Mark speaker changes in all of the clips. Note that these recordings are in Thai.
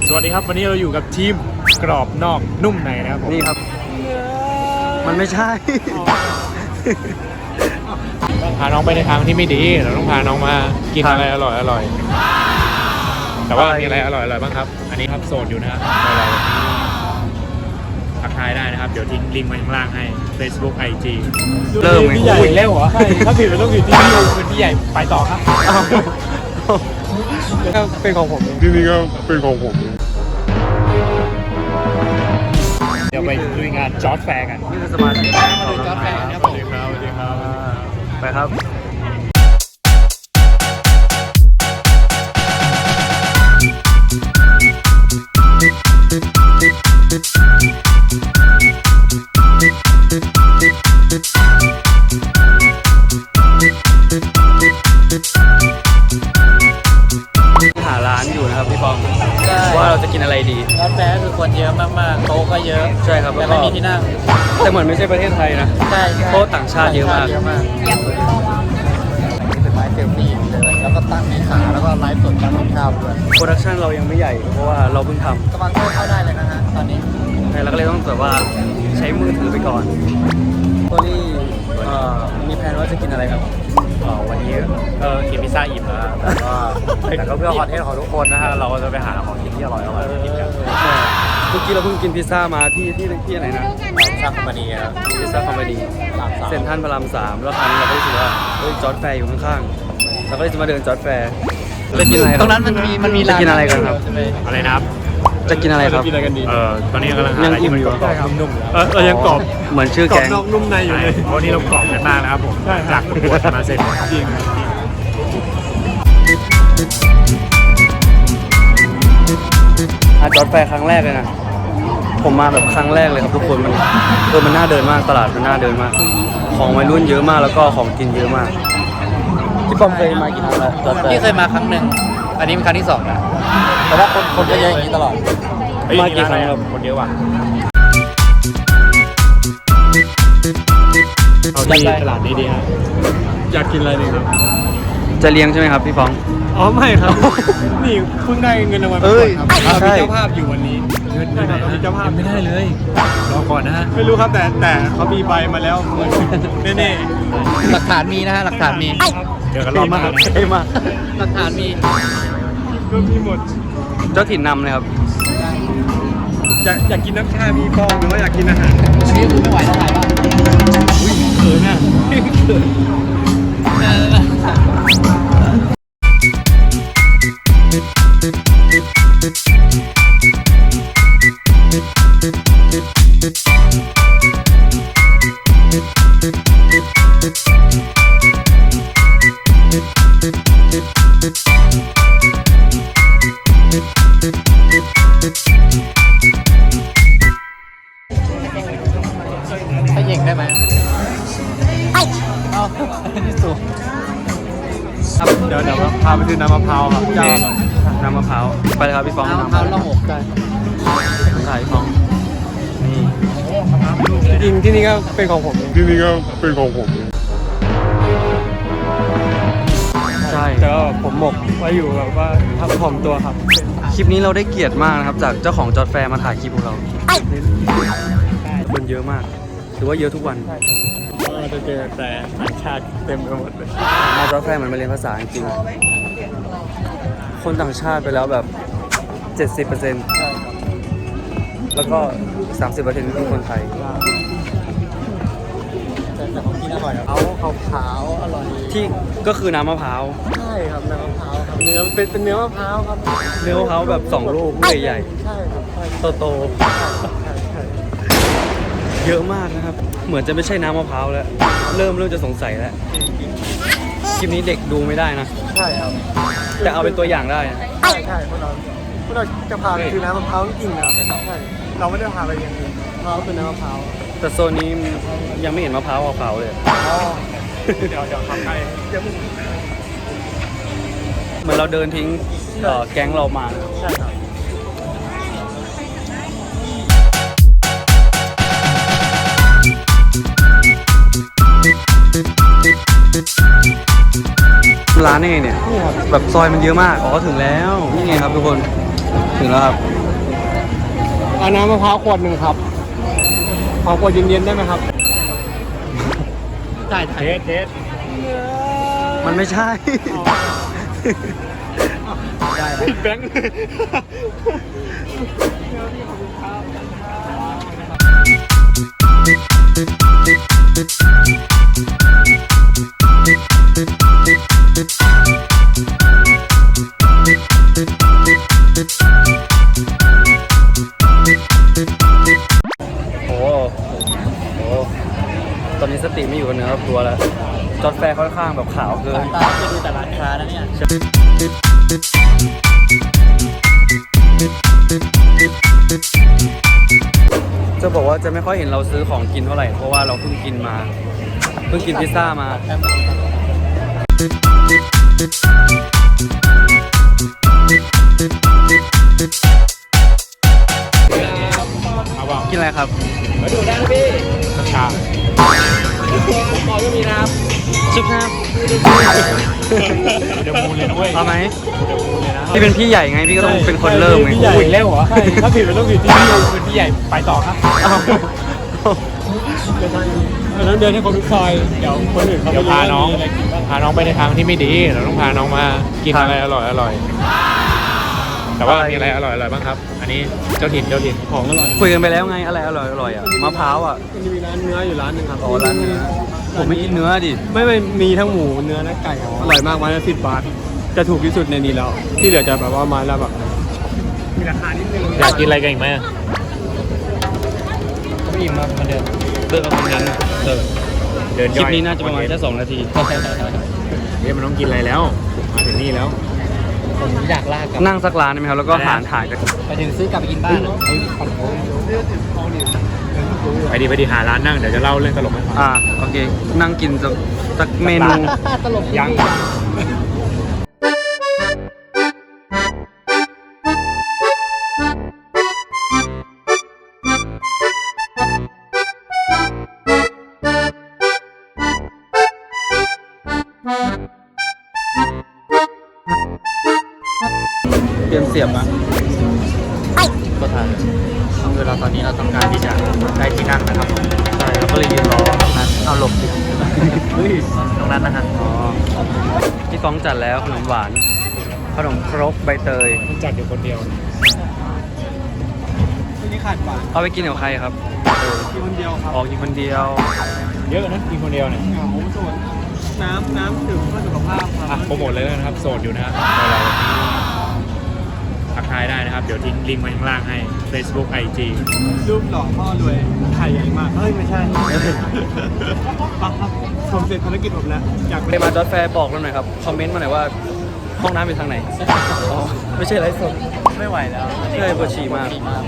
Speaker 1: สวัสดีครับวันนี้เราอยู่กับทีมกรอบนอกนุ่มในนะครับผม
Speaker 2: นี่ครับมันไม่ใช่
Speaker 1: ต้องพาน้องไปในทางที่ไม่ดีเราต้องพาน้องมากินอะไรอร่อยแต่ว่ามีอะไรอร่อยบ้างครับอันนี้ครับโสดอยู่นะครับอะไรทักทายได้นะครับเดี๋ยวทิ้งลิงก์ไว้ข้างล่างให้ Facebook IG
Speaker 2: เริ่มไง
Speaker 1: พี่ใหญ่แล้วเหรอใช่ถ้าผิดมันต้องผิดที่พี่เป็นพี่ใหญ่ไปต่อครับก็เป็นของผมที่นี่ก็เป็นของผมเดี๋ยวไปดูงานจอร์จแฟร์กัน
Speaker 2: นี่คือสมาชิก
Speaker 1: ของจอร์จแฟร์ครับสวัสดีครับ
Speaker 2: ไปครับหาร้านอยู่นะครับพี่ปองว่าเราจะกินอะไรดี
Speaker 3: ร้านแฟร์คือคนเยอะมากๆโต๊ะก็เยอะ
Speaker 2: ใช่ครับ
Speaker 3: แต่ไม่มีที่นั่ง
Speaker 2: แต่เหมือนไม่ใช่ประเทศไทยนะ
Speaker 3: ใช่
Speaker 2: โต๊ะต่างชาติเยอะมาก
Speaker 3: เป็นไม้เซลฟี่เลยแล้วก็ตั้งในขาแล้วก็ไลฟ์สดการทำข้าวด้วย
Speaker 2: โปรดักชันเรายังไม่ใหญ่เพราะว่าเราเพิ่งทำ
Speaker 3: สปอนเซอร์เข้าได้เลยนะฮะตอนนี้
Speaker 2: เราก็เลยต้องแบบว่าใช้มือถือไปก่อนโทนี่มีแผนว่าจะกินอะไรครับ
Speaker 1: วันนี้กินพิซซ่าอิ่มแล้วแต่ก็เพื่อคอนเทนต์ของทุกคนนะฮะเราจะไปหาของกินที่อร่อยกินกัน
Speaker 2: เมื่อกี้เราเพิ่งกินพิซซ่ามาที่ไหนนะ
Speaker 1: พิซซ่าคอมพานีครับ
Speaker 2: พิซซ่าคอมพานีเซ็นทรัลพระราม3แล้วคราวนี้เราก็รู้สึกว่าจอร์จแฟร์อยู่ข้างๆเราก็เลยจะมาเดินจอร์จแฟร์จะกินอะไร
Speaker 3: ตรงนั้นมันมี
Speaker 2: จะกินอะไรกันครับ
Speaker 1: อะไรนะครับ
Speaker 2: จะกินอะไรครับ
Speaker 1: ตอนนี้กำลัง
Speaker 2: ยังอิ่มอยู่
Speaker 1: นุ่มๆยังกรอบ
Speaker 2: เหมือนชื่อแกง
Speaker 1: นอกนุ่มในอยู่เลยวันนี้เรากรอบกันมากนะครับผมจากประกวดมาเสร็จจริง
Speaker 2: จอร์จแฟร์ครั้งแรกเลยนะผมมาแบบครั้งแรกเลยครับทุกคนมันน่าเดินมากตลาดมันน่าเดินมากของวัยรุ่นเยอะมากแล้วก็ของกินเยอะมากพี่ป้อมเคยมากี่ครั้งแล้วจอร์จแฟร์
Speaker 3: พี่เคยมาครั้งหนึ่งอันนี้เป็นครั้งที่2นะแต่ว่าคนเยอะอย่างนี้ตลอด
Speaker 2: มากี่ครั้งครับ
Speaker 1: คนเยอะว่ะเอาที่ตลาดนี้ดีฮะอยากกินอะไรดีครับ
Speaker 2: จะเลี้ยงใช่ไหมครับพี่ฟอง
Speaker 1: อ๋อไม่ครับนี่เพิ่งได้เงินรางวัลครับมีเจ้าภาพอยู่วันนี้เงินไหนมีเจ้าภาพ
Speaker 3: ไม่ได้เลย
Speaker 1: รอก่อนนะฮะไม่รู้ครับแต่เขามีใบมาแล้วแน่
Speaker 3: หลักฐานมีนะฮะหลักฐานมี
Speaker 1: เดี๋ยวกันรอบมาก
Speaker 3: หลักฐานมี
Speaker 1: ก็มีหมด
Speaker 2: เจ้าถิ่นนำเลยครับ
Speaker 1: อยากกินน้ำชามีฟองหรือว่าอยากกินอาหาร
Speaker 3: นี่คือไม่ไหวแล้วถ่ายบ้าง
Speaker 1: อุ้ยเขินอ่ะ
Speaker 3: ถ้าเย่งได้ไหมเอาที่สูง
Speaker 1: เดี๋ยวพาไปซื้อน้ำมะพร้าวครับเจ้า
Speaker 2: น้ำมะพร้าวไปเลยครับพี่ฟอง
Speaker 3: น้ำมะพร้าวละหกได้
Speaker 2: ถ่ายพี่ฟอง
Speaker 1: จริงที่นี่ก็เป็นของผม
Speaker 2: ใช่
Speaker 1: แต่ว่าผมหมกไว้อยู่แบบว่าทำถ่อมตัวครับ
Speaker 2: คลิปนี้เราได้เกียรติมากนะครับจากเจ้าของจอร์จแฟร์มาถ่ายคลิปของเราคนเยอะมากถือว่าเยอะทุกวัน
Speaker 1: เราจะเจอแต่ต่างชาติเต็มไปหมดเลย
Speaker 2: มาจอร์จแฟร์มันมาเรียนภาษาจริงๆคนต่างชาติไปแล้วแบบ 70% แล้วก็ 30% คือคนไทย
Speaker 3: แต่ของกินอร่อยเขาขาวอร่อย
Speaker 2: ที่ก็คือน้ำมะพร้าว
Speaker 3: ใช่ครับน้ำมะพร้าวครับเนื้อเป็นเนื้อมะพร้าวครับ
Speaker 2: เนื้อมะพร้าวแบบ2ลูกใหญ่
Speaker 3: ๆใช่ครับ
Speaker 2: โตเยอะมากนะครับเหมือนจะไม่ใช่น้ำมะพร้าวแล้วเริ่มจะสงสัยแล้วคลิปนี้เด็กดูไม่ได้นะ
Speaker 3: ใช่ครับ
Speaker 2: แต่เอาเป็นตัวอย่างได้
Speaker 3: ใช่พวกเราจะพาไปซื้อน้ำมะพร้าวจริงนะครับใช่เราไม่ได้พาไปอย่างอื่นมะพร้าวคือน้ำมะพร้าว
Speaker 2: แต่โซนนี้ยังไม่เห็นมะพร้าวขาวเลย
Speaker 1: เดี๋ยวทำให้
Speaker 2: เหมือนเราเดินทิ้งแก๊งเรามา
Speaker 3: ใช่ครับ
Speaker 2: ร้านนี่ไงเนี่ยแบบซอยมันเยอะมากอ๋อถึงแล้วนี่ไงครับทุกคนถึงแล้วครับ
Speaker 3: เอาน้ำมะพร้าวขวดหนึ่งครับขอขวดเย็นๆได้ไหมครับจ่าย
Speaker 1: เทส
Speaker 2: มันไม่ใช่
Speaker 3: ผิดแบงค์
Speaker 2: โอ้โหตอนนี้สติไม่อยู่กับเนื้อกับตัวแล้ว จอดแฟร์ค่อนข้างแบบขาวเกิน
Speaker 3: ตาไปดูแต่ร้านค้านะเนี่ย
Speaker 2: จะบอกว่าจะไม่ค่อยเห็นเราซื้อของกินเท่าไหร่ เพราะว่าเราเพิ่งกินพิซซ่ามา
Speaker 1: เอาเปล่า
Speaker 2: กินอะไรครับ
Speaker 3: มาดูได้พี่
Speaker 1: ชา
Speaker 3: หมอก็มีน้ำ
Speaker 2: ชุบน้ำ
Speaker 1: เดี๋ยวมูลเลยนะเว้ย
Speaker 2: เอาไหม
Speaker 1: เดี๋ยวมูลเลยนะ
Speaker 2: พี่เป็นพี่ใหญ่ไง พี่ก็ต้องเป็นคนเริ่มไง
Speaker 3: พี่ใหญ่
Speaker 1: พูดอีกแล้วเหรอ
Speaker 3: ใช่ถ้าผิดมันต้องผิดที่พี่
Speaker 1: เป็นพี่ใหญ่ไปต่อครับ
Speaker 2: อ้าว
Speaker 3: เดินให้คนทุกซอยเดี๋ยวคนอื่นเขา
Speaker 1: เดี๋ยวพาน้อง
Speaker 3: มีอะไรกินบ้าง
Speaker 1: พาน้องไปในทางที่ไม่ดี เราต้องพาน้องมากินอะไรอร่อยแต่ว่ามีอะไรอร่อยบ้างครับ อันนี้เจ้าถิ่น
Speaker 3: ของอร่อย
Speaker 2: คุยกันไปแล้วไง อะไรอร่อยอ่ะ มะพร้าวอ่ะ
Speaker 3: มันจะมีร้านเนื้ออยู่ร้านหนึงครับ
Speaker 2: อ๋อร้านเนื้อ ผมไม่กินเนื้อดิ
Speaker 3: ไม่มีทั้งหมูเนื้อและไก่ครับอร่อยมากวันละ10 บาทจะถูกที่สุดในนี้แล้ว ที่เหลือจะแบบว่ามาแล้วแบบมีราคานิดนึง
Speaker 1: อยากกินอะไรกันอีกไหม
Speaker 3: ไม่อิ่มมากมาเดิม
Speaker 2: เลิกกับคนนั้นเลิก
Speaker 1: เดิน
Speaker 2: คลิ
Speaker 1: ย่
Speaker 2: ป
Speaker 1: อย
Speaker 2: นี้น่าจะประมาณแค่2 นาที
Speaker 1: เนี่ยมันต้องกินอะไรแล้ว มาถึงนี่แล้ว
Speaker 3: ผมอยากลากกับ
Speaker 2: นั่งสักร้านได้ไหมครับ แล้วก็หารถ่ายกัน
Speaker 3: ไปถึงซื้อกลับไปกินบ้านไอ้ขนม
Speaker 1: ไปดีหาร้านนั่งเดี๋ยวจะเล่าเรื่องตลกให้ฟัง
Speaker 2: โอเค นั่งกินสักเมนู
Speaker 3: ตลก
Speaker 1: ยัง
Speaker 2: เตรียมเสียบอ่ะ
Speaker 3: ก็ทานเวลาตอนนี้เราต้องการที่จะได้ที่นั่งนะครับผม
Speaker 2: ใช่เราก็เลยยืนรอ
Speaker 3: เอาหลบดิ
Speaker 2: เฮ้ย
Speaker 3: ตรงนั้นนะฮะ
Speaker 2: อ๋อพี่ฟ้องจัดแล้วขนมหวาน ขนมครกใบเตย
Speaker 1: มันจัดอยู่คนเดียว
Speaker 3: ที่นี่ขาดหวาน
Speaker 2: เอาไปกินกับใครครับ
Speaker 3: กินคนเดียวครับ
Speaker 2: ออกกินคนเดียว
Speaker 1: เยอะนะกินคนเดียวเนี่ย
Speaker 3: เหงาส่วนน้ำถึงเพื่อสุขภาพค
Speaker 1: อ่ะ
Speaker 3: รับ
Speaker 1: โปรโมทเลยแล้วนะครับโสดอยู่นะครับเราทักทายได้นะครับ เดี๋ยวทิ้งลิงก์ไว้ข้างล่างให้ Facebook IG
Speaker 3: รูปหล่อพ่อรวยไข่ใหญ่มากเฮ้ยไม่ใช่ครับผมเสร็จภารกิจผมแล้วอยาก
Speaker 2: ไปมาจอดแฟร์บอกเราหน่อยครับ คอมเมนต์มาหน่อยว่าห้องน้ำอยู่ทางไหน อ๋อ ไม่ใช่ไลฟ์สด
Speaker 3: ไม่ไหวแล้ว
Speaker 2: ใช่ปวดฉี่มาก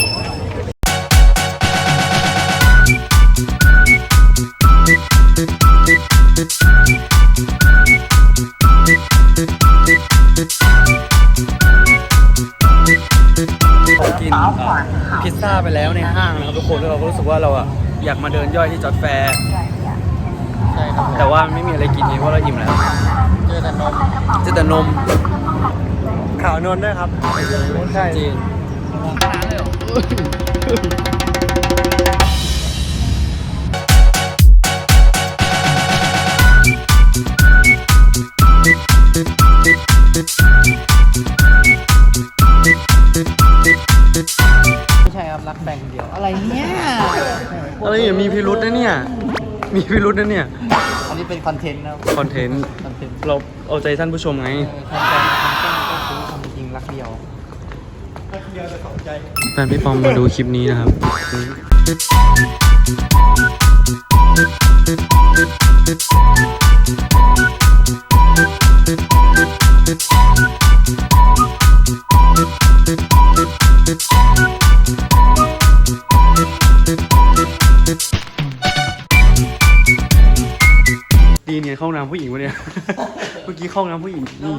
Speaker 2: กินพิซซ่าไปแล้วในห้างนะครับทุกคนแล้วเราก็รู้สึกว่าเราอะอยากมาเดินย่อยที่จอดแฟร์
Speaker 3: ใช่ครับ
Speaker 2: แต่ว่าไม่มีอะไรกินเพราะเราอิ่มแล้ว
Speaker 3: เจอแต่นม
Speaker 2: เจอแต่นม
Speaker 3: ขาวนวลด้วยครับใช่
Speaker 2: จริง
Speaker 3: ไม่ใช่ครับรักแบ่งคนเดียวอะไรเนี่ย
Speaker 2: อะไรเนี่ยมีพิรุษนะเนี่ย มีพิรุษนะเนี่ย
Speaker 3: อันนี้เป็นคอนเทนต์นะ
Speaker 2: คอนเทนต์
Speaker 3: คอนเทนต์
Speaker 2: เราเอาใจท่านผู้ชมไง
Speaker 3: ความจริงรักเดียวรักเดียวแต่สองใจ
Speaker 2: แฟนพี่ปอมมาดูคลิปนี้นะครับ ดีเนี่ยเข้าห้องน้ำผู้หญิงวะเนี่ย เมื่อกี้เข้าห้องน้ำผู้หญิงนี่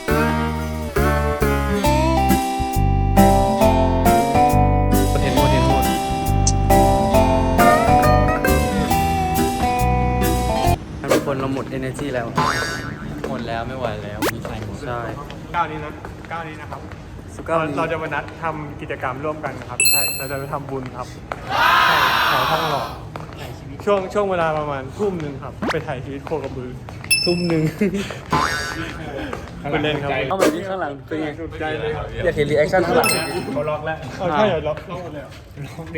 Speaker 2: เห็นหมด energy แล้วหมดแล้วไม่ไหวแล้วมีใครหมดใช่
Speaker 3: ก้าวนี้นะครับ เราจะมานัดทำกิจกรรมร่วมกันนะครับใช่เราจะไปทำบุญครับใช่แถวทองหล่อช่วงเวลาประมาณทุ่มหนึ่งครับไปถ่ายชีวิตโคกระบือทุ่มหนึ่งไปเล่นครับ
Speaker 2: เอาแบบนี้ข้างหลังเป็นไง
Speaker 3: สุดใจเลยครับ
Speaker 2: อยากเห็นรีแอคชั่นข้างหลัง
Speaker 1: เขาล็อกแล้ว
Speaker 3: เอาใช่เหรอล็อกหมดเลย
Speaker 1: ล็อกดิ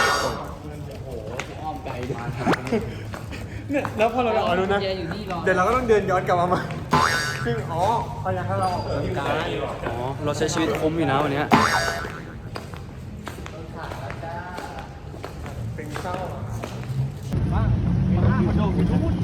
Speaker 3: เนี่ยแล้วพอเราเอาดูนะเดี๋ยวเราก็ต้องเดินย้อนกลับมาใหม่ซึ่งพยายามให้เราออกกำลังกาย
Speaker 2: อ๋อเราใช้ชีวิตคุ้มอยู่นะวันเนี้ย
Speaker 3: เป็นเศร้าบ้างมาโดน